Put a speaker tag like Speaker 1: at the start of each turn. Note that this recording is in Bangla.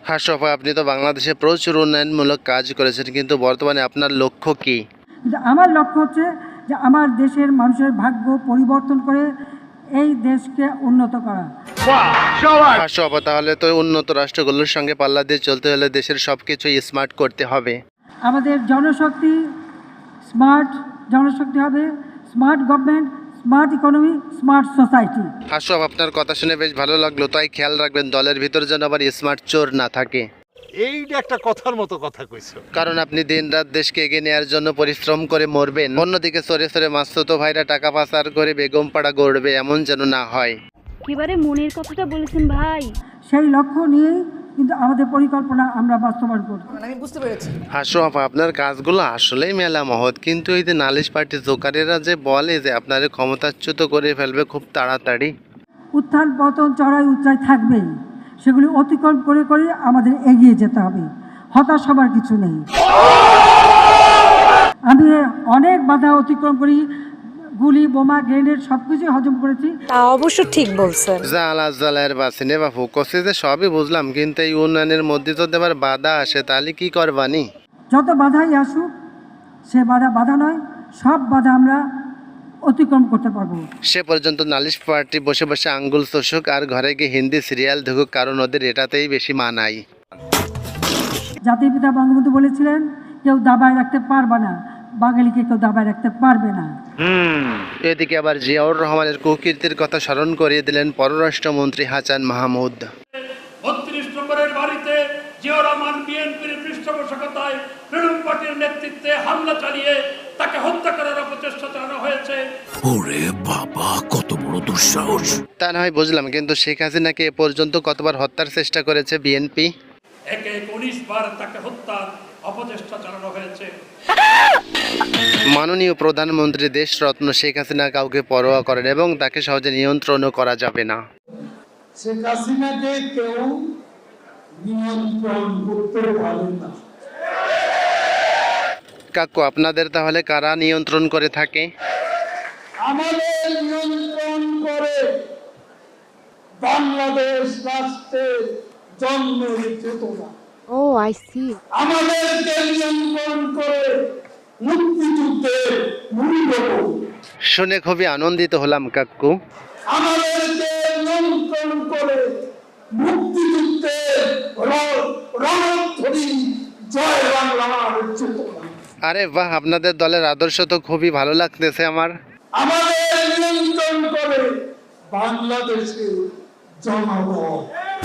Speaker 1: হাসফ, আপনি তো বাংলাদেশে প্রচুর উন্নয়নমূলক কাজ করেছেন, কিন্তু বর্তমানে আপনার লক্ষ্য কি?
Speaker 2: আমার লক্ষ্য হচ্ছে যে আমার দেশের মানুষের ভাগ্য পরিবর্তন করে এই দেশকে উন্নত করা।
Speaker 1: হাসফ, তাহলে তো উন্নত রাষ্ট্রগুলোর সঙ্গে পাল্লা দিয়ে চলতে হলে দেশের সবকিছু স্মার্ট করতে হবে।
Speaker 2: আমাদের জনশক্তি স্মার্ট জনশক্তি হবে, smart government, smart economy, smart society.
Speaker 1: হাসফ, আপনার কথা শুনে বেশ ভালো লাগলো, তাই খেয়াল রাখবেন দলের ভিতর যেন আবার স্মার্ট চোর না থাকে।
Speaker 3: এইটা একটা কথার মতো কথা কইছো।
Speaker 1: কারণ আপনি দিনরাত দেশকে এগিয়ে নেওয়ার জন্য পরিশ্রম করে মরবেন, অন্যদিকে চোরে চোরে মাসুতো ভাইরা টাকা পাচার করে বেগম পাড়া গড়বে, এমন যেন না হয়।
Speaker 4: এবারে মনের কথাটা বলেছেন ভাই।
Speaker 2: সেই লক্ষ্য নিয়েই কিন্তু আমাদের পরিকল্পনা আমরা বাস্তবায়ন করব।
Speaker 5: আমি বুঝতে পেরেছি।
Speaker 1: হাসফ, আপনার কাজগুলো আসলেই মেলা মহৎ, কিন্তু এই যে নালিশ পার্টি জোকারেরা যে বলে যে আপনারে ক্ষমতাচ্যুত করে ফেলবে খুব তাড়াতাড়ি।
Speaker 2: উত্থান পতন চড়াই উচ্চাই থাকবেই, সেগুলি অতিক্রম করে করে আমাদের এগিয়ে যেতে হবে। হতাশ হবার কিছু নেই। আমি অনেক বাধা অতিক্রম করি, গুলি বোমা গ্রেনেড সবকিছু হজম করেছি।
Speaker 6: তা অবশ্য ঠিক বলছেন।
Speaker 1: জালা জালার বাসিনে বাপু কষে যে সবই বুঝলাম, কিন্তু এই উন্নয়নের মধ্যে যদি আবার বাধা আসে তাহলে কি করবানি?
Speaker 2: যত বাধাই আসুক, সে বাধা নয়, সব বাধা আমরা অতিক্রম করতে পারবো।
Speaker 1: সে পর্যন্ত নালিশ পার্টি বসে বসে আঙ্গুল চষুক আর ঘরে গিয়ে হিন্দি সিরিয়াল দেখুক, কারণ ওদের এটাতেই বেশি মানায়।
Speaker 2: জাতির পিতা বঙ্গবন্ধু বলেছিলেন, কেউ দাবায় রাখতে পারবে না, বাঙালিকে কেউ দাবায় রাখতে পারবে না।
Speaker 1: এদিকে আবার জিয়াউর রহমানের কুকীর্তির কথা স্মরণ করিয়ে দিলেন পররাষ্ট্রমন্ত্রী হাসান মাহমুদ।
Speaker 7: ৩২ নম্বরের বাড়িতে জিয়াউর রহমান বিএনপির পৃষ্ঠপোষকতায় তৃণমূল পার্টির নেতৃত্বে হামলা চালিয়ে তাকে হত্যা করার অপচেষ্টা চালানো হয়েছে।
Speaker 8: ওরে বাবা, কত বড় দুঃসাহস!
Speaker 1: তা না হয় বুঝলাম, কিন্তু শেখ হাসিনাকে এ পর্যন্ত কতবার হত্যার চেষ্টা করেছে বিএনপি?
Speaker 7: একে ১৯ বার তাকে হত্যার অপচেষ্টা চালানো হয়েছে।
Speaker 1: মাননীয় প্রধানমন্ত্রী দেশরত্ন শেখ হাসিনা কাউকে পরোয়া করেন এবং তাকে সহজে নিয়ন্ত্রণও করা যাবে না।
Speaker 9: শেখ হাসিনাকে কেউ নিয়ন্ত্রণ করতে পারে না।
Speaker 1: কাকু, আপনাদের তাহলে কারা নিয়ন্ত্রণ করে থাকে?
Speaker 9: আমাদের নিয়ন্ত্রণ করে বাংলাদেশ রাষ্ট্রের জন্মের চেতনা।
Speaker 6: O I C.
Speaker 9: আমাদেরকে নিয়ন্ত্রণ করে মুক্তিযুদ্ধের মূল্যবোধ।
Speaker 1: শুনে খুবই আনন্দিত হলাম কাকু।
Speaker 9: আমাদেরকে নিয়ন্ত্রণ করে মুক্তিযুদ্ধের রণধ্বনি জয় বাংলার চেতনা।
Speaker 1: আরে বাহ, আপনাদের দলের আদর্শ তো খুবই ভালো লাগতেছে আমার।
Speaker 9: আমাদের নিয়ন্ত্রণ করে বাংলাদেশের জনগণ।